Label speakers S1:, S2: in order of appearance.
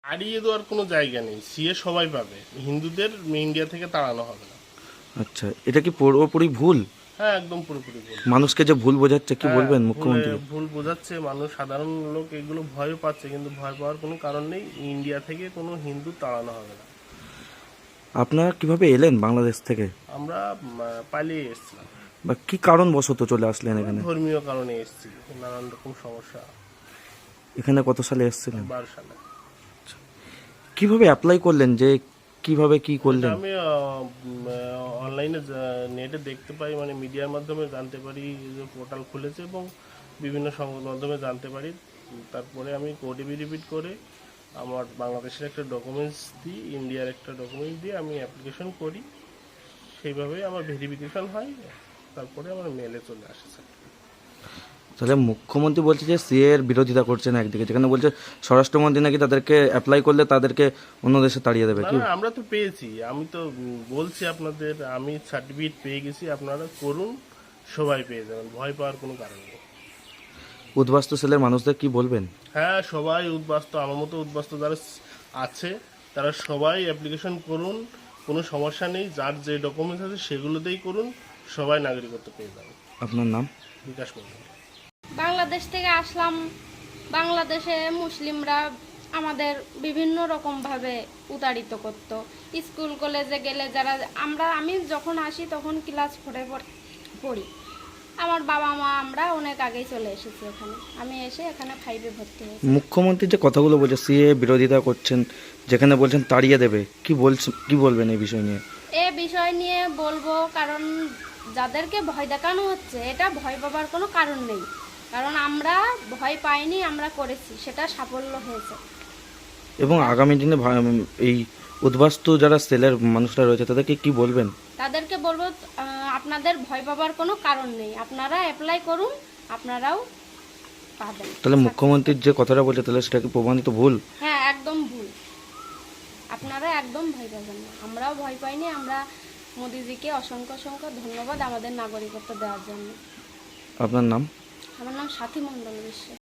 S1: হারিয়ে দেওয়ার কোনো জায়গা নেই, সিএ সবাই পাবে, হিন্দুদের ইন্ডিয়া থেকে তাড়ানো হবে না।
S2: আচ্ছা, এটা কি পুরোপুরি ভুল?
S1: হ্যাঁ, একদম পুরোপুরি ভুল।
S2: মানুষকে যে ভুল বোঝাচ্ছে, কি
S1: হ্যাঁ,
S2: বলবেন মুখ্যমন্ত্রী?
S1: ভুল বোঝাচ্ছে মানুষ, সাধারণ লোক এগুলো ভয় পাচ্ছে, কিন্তু ভয় পাওয়ার কোনো কারণ নেই। ইন্ডিয়া থেকে কোনো হিন্দু তাড়ানো হবে না।
S2: আপনারা কিভাবে এলেন বাংলাদেশ থেকে,
S1: আমরা পালিয়ে এসেছিলাম।
S2: বা কি কারণবশত চলে আসলেন এখানে?
S1: ধর্মীয় কারণে এসেছি, নানান রকম সমস্যা।
S2: এখানে কত সালে এসেছিলেন?
S1: 12 সালে।
S2: কিভাবে অ্যাপ্লাই করলেন, যে কিভাবে কি করলেন?
S1: আমি অনলাইনে নেটে দেখতে পাই, মানে মিডিয়ার মাধ্যমে জানতে পারি যে পোর্টাল খুলেছে, এবং বিভিন্ন সংবাদ মাধ্যমে জানতে পারি। তারপরে আমি কোড রিপিট করে আমার বাংলাদেশের একটা ডকুমেন্টস দিই, ইন্ডিয়ার একটা ডকুমেন্টস দিয়ে আমি অ্যাপ্লিকেশন করি। সেইভাবেই আমার ভেরিফিকেশন হয়, তারপরে আমার মেলে চলে আসে।
S2: তাহলে মুখ্যমন্ত্রী বলছে যে সিএ এর বিরোধিতা করছেন একদিকে, যেখানে বলছে স্বরাষ্ট্রমন্ত্রী নাকি তাদেরকে অ্যাপ্লাই করলে তাদেরকে অন্য দেশে তাড়িয়ে দেবে।
S1: না
S2: কি
S1: না, আমরা তো পেয়েছি, আমি তো বলছি আপনাদের, আমি সার্টিফিকেট পেয়ে গেছি, আপনারা করুন, সবাই পেয়ে যাবেন, ভয় পাওয়ার কোনো কারণ নেই।
S2: উদ্বাস্তু সেলের মানুষদের কি বলবেন?
S1: হ্যাঁ, সবাই উদ্বাস্তু, আমার মতো উদ্বাস্তু যারা আছে তারা সবাই অ্যাপ্লিকেশন করুন, কোনো সমস্যা নেই, যার যে ডকুমেন্টস আছে সেগুলোতেই করুন, সবাই নাগরিকত্ব পেয়ে যাবে।
S2: আপনার নাম?
S1: বিকাশ মন্ডল।
S3: বাংলাদেশ থেকে আসলাম। বাংলাদেশে মুসলিমরা আমাদের বিভিন্ন রকমভাবে উতাড়িত করতো। স্কুল কলেজে গেলে যারা আমি যখন আসি তখন ক্লাস 4-এ পড়ি। আমার বাবা মা আমরা অনেক আগেই চলে এসেছি এখানে। আমি এসে এখানে 5-এ ভর্তি হয়েছি।
S2: মুখ্যমন্ত্রী যে কথাগুলো বলছে সিএ বিরোধিতা করছেন, যেখানে বলছেন তাড়িয়ে দেবে, কি বলবেন এই বিষয় নিয়ে?
S3: এ বিষয় নিয়ে বলবো, কারণ যাদেরকে ভয় দেখানো হচ্ছে, এটা ভয় পাবার কোনো কারণ নেই। কারণ আমরা ভয় পাইনি, আমরা করেছি, সেটা সাফল্য হয়েছে।
S2: এবং আগামী দিনে এই উদ্বাস্তু যারা সেলের মানুষরা রয়েছে তাদেরকে কি বলবেন?
S3: তাদেরকে বলবো, আপনাদের ভয় পাবার কোনো কারণ নেই, আপনারা অ্যাপ্লাই করুন, আপনারাও পাবেন।
S2: তাহলে মুখ্যমন্ত্রীর যে কথাটা বলছে, তাহলে সেটা কি প্রমাণিত ভুল?
S3: হ্যাঁ, একদম ভুল। আপনারা একদম ভয় পাবেন না, আমরাও ভয় পাইনি। আমরা মোদিজিকে অসংখ্য অসংখ্য ধন্যবাদ আমাদের নাগরিকত্ব দেওয়ার জন্য।
S2: আপনার নাম?
S3: আমার নাম সাথী মণ্ডল বিশ্বাস।